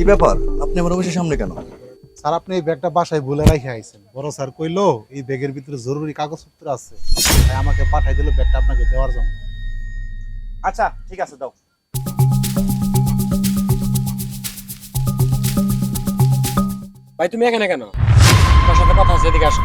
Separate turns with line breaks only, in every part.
কি ব্যাপার, আপনি আমার অফিসের সামনে কেন?
স্যার আপনি এই ব্যাগটা বাসায় ভুলে রাখে আইছেন। বড় স্যার কইলো এই ব্যাগের ভিতরে জরুরি কাগজপত্র আছে, তাই আমাকে পাঠাই দিল ব্যাগটা আপনাকে দেওয়ার জন্য।
আচ্ছা ঠিক আছে, দাও।
ভাই তুমি এখানে কেন? তোমার সাথে কথা আছে, এদিকে আসো।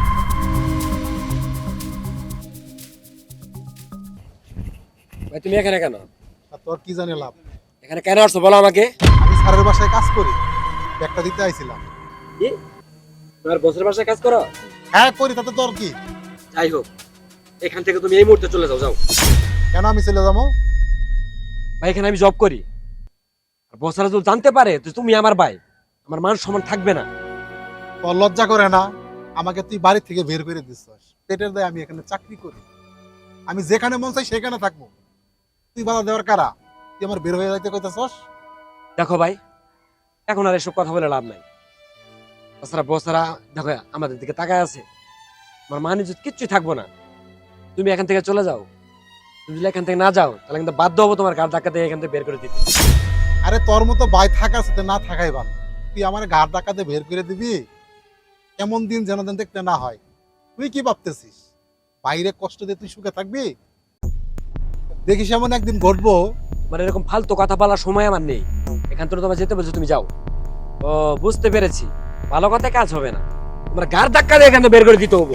ভাই তুমি এখানে কেন?
আর তোর কি জানি লাভ?
এখানে কেন আসছো বলো আমাকে।
আমি স্যারের বাসায় কাজ করি, ব্যাগটা দিতে আইছিলাম।
কি তোমার বসের বাসায় কাজ করো?
হ্যাঁ করি, তাতে তোর কি?
যাই হোক, এখান থেকে তুমি এই মুহূর্তে চলে যাও। যাও।
কেন আমি চলে যাবো?
ভাই এখানে আমি জব করি, আর বসরা যদি জানতে পারে তো তুমি আমার ভাই, আমার মান সম্মান থাকবে না।
তোর লজ্জা করে না? আমাকে তুই বাড়ি থেকে বের করে দিচ্ছিস, পেটের দায় আমি এখানে চাকরি করি, আমি যেখানে মন চাই সেখানে থাকবো, তুই বাধা দেওয়ার কারা? তুই আমার বের হয়ে যাইতে কইতেছস?
দেখো ভাই, এখন আর এসব কথা বলে লাভ নাই। তাছাড়া বসরা দেখো আমাদের দিকে তাকায় আছে, আমার মান ইজ্জত কিচ্ছুই থাকবো না। তুমি এখান থেকে চলে যাও। তুমি যদি এখান থেকে না যাও তাহলে কিন্তু বাধ্য হবো তোমার গাড় ধাক্কা দিয়ে এখান থেকে বের করে দিতে।
আরে তোর মতো ভাই থাকার সাথে না থাকাই ভালো। তুই আমার ঘাট ডাকাতে বের করে দিবি, এমন দিন যেন যেন দেখতে না হয়। তুই কি ভাবতেছিস বাইরে কষ্ট দিয়ে তুই সুখে থাকবি? দেখিস এমন একদিন ঘটবো।
মানে এরকম ফালতু কথা বলার সময় আমার নেই। এখান থেকে তোমার যেতে বলছো, তুমি যাও। ও বুঝতে পেরেছি, ভালো কথায় কাজ হবে না, তোমার গাড় ধাক্কা দিয়ে এখান থেকে বের করে দিতে হবে।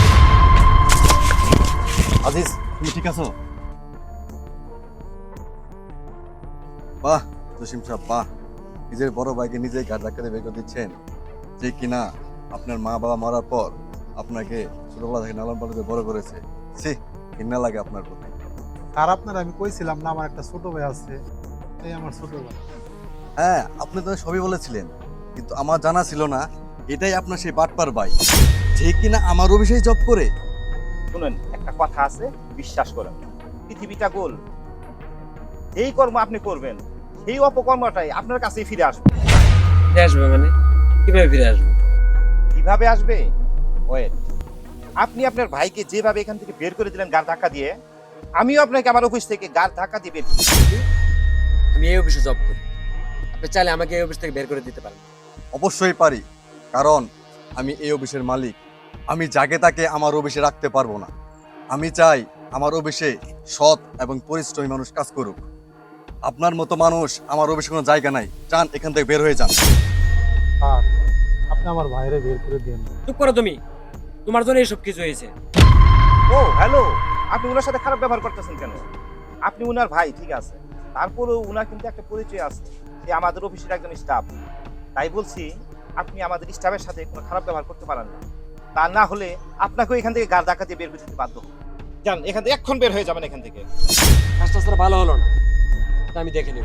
আজিজ, তুমি ঠিক আছো? বাহ জসিম সাহেব, বাহ, নিজের বড় ভাইকে নিজেই ঘাট ধাক্কা দিয়ে বের করে দিচ্ছেন, যে কিনা আপনার মা বাবা মরার পর আপনাকে ছোটবেলা থেকে লালন পালন করে বড় করেছে। ছি, ঘৃণা লাগে আপনার প্রতি।
আর আপনার আমি কইছিলাম না আমার একটা ছোট ভাই আছে, এই আমার ছোট ভাই।
হ্যাঁ, আপনি তো সবই বলেছিলেন, কিন্তু আমার জানা ছিল না এটাই আপনার সেই বাটপার ভাই, যে কিনা আমার অফিসেই জব করে।
শুনুন, একটা কথা আছে, বিশ্বাস করেন, পৃথিবীটা গোল। যেই কর্ম আপনি করবেন সেই অপকর্মটাই আপনার কাছেই ফিরে আসবে।
ফিরে আসবে মানে? কিভাবে ফিরে আসবে?
কিভাবে আসবে? ওয়েট, আপনি আপনার ভাইকে যেভাবে এখান থেকে বের করে দিলেন গাড় ধাক্কা দিয়ে, আমিও আপনাকে আমার অফিস থেকে গাড় ধাক্কা দিয়ে বের করে দিই।
আমি এই অফিসে জব করি, আপনি চাইলে আমাকে এই অফিস থেকে বের করে দিতে পারেন।
অবশ্যই পারি, কারণ আমি এই অফিসের মালিক। আমি যাকে তাকে আমার অফিসে রাখতে পারবো না। আমি চাই আমার অফিসে সৎ এবং পরিশ্রমী মানুষ কাজ করুক। আপনার মতো মানুষ আমার অফিসে কোনো জায়গা নাই, চান এখান থেকে বের হয়ে যান।
আর আপনি আমার ভাইরে বের করে দিন।
চুপ করো তুমি, তোমার জন্য এইসব কিছু হয়েছে।
ও হ্যালো, আপনি ওনার সাথে খারাপ ব্যবহার করতেছেন কেন? আপনি উনার ভাই ঠিক আছে, তারপরেও উনার কিন্তু একটা পরিচয় আছে, যে আমাদের অফিসের একজন স্টাফ। তাই বলছি, আপনি আমাদের স্টাফের সাথে কোনো খারাপ ব্যবহার করতে পারেন না। তা না হলে আপনাকেও এখান থেকে গাড় ধাক্কা দিয়ে বের করে দিতে বাধ্য হবো। যান এখান থেকে, এক্ষণ বের হয়ে যাবেন এখান থেকে।
কাজটা আসলে ভালো হলো না, এটা আমি দেখে নেব।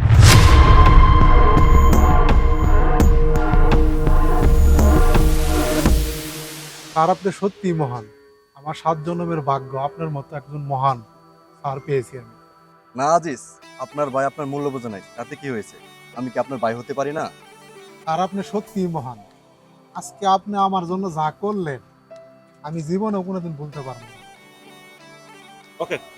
আর আপনি সত্যি মহান, আমার 7 জন্মের ভাগ্য আপনার মতো একজন মহান স্যার পেয়েছি আমি।
না আজিজ, আপনার ভাই আপনার মূল্য বোঝে নাই, তাতে কি হয়েছে? আমি কি আপনার ভাই হতে পারি না?
আর আপনি সত্যি মহান। আজকে আপনি আমার জন্য যা করলেন আমি জীবনে কোনোদিন ভুলতে পারবো না।
ওকে।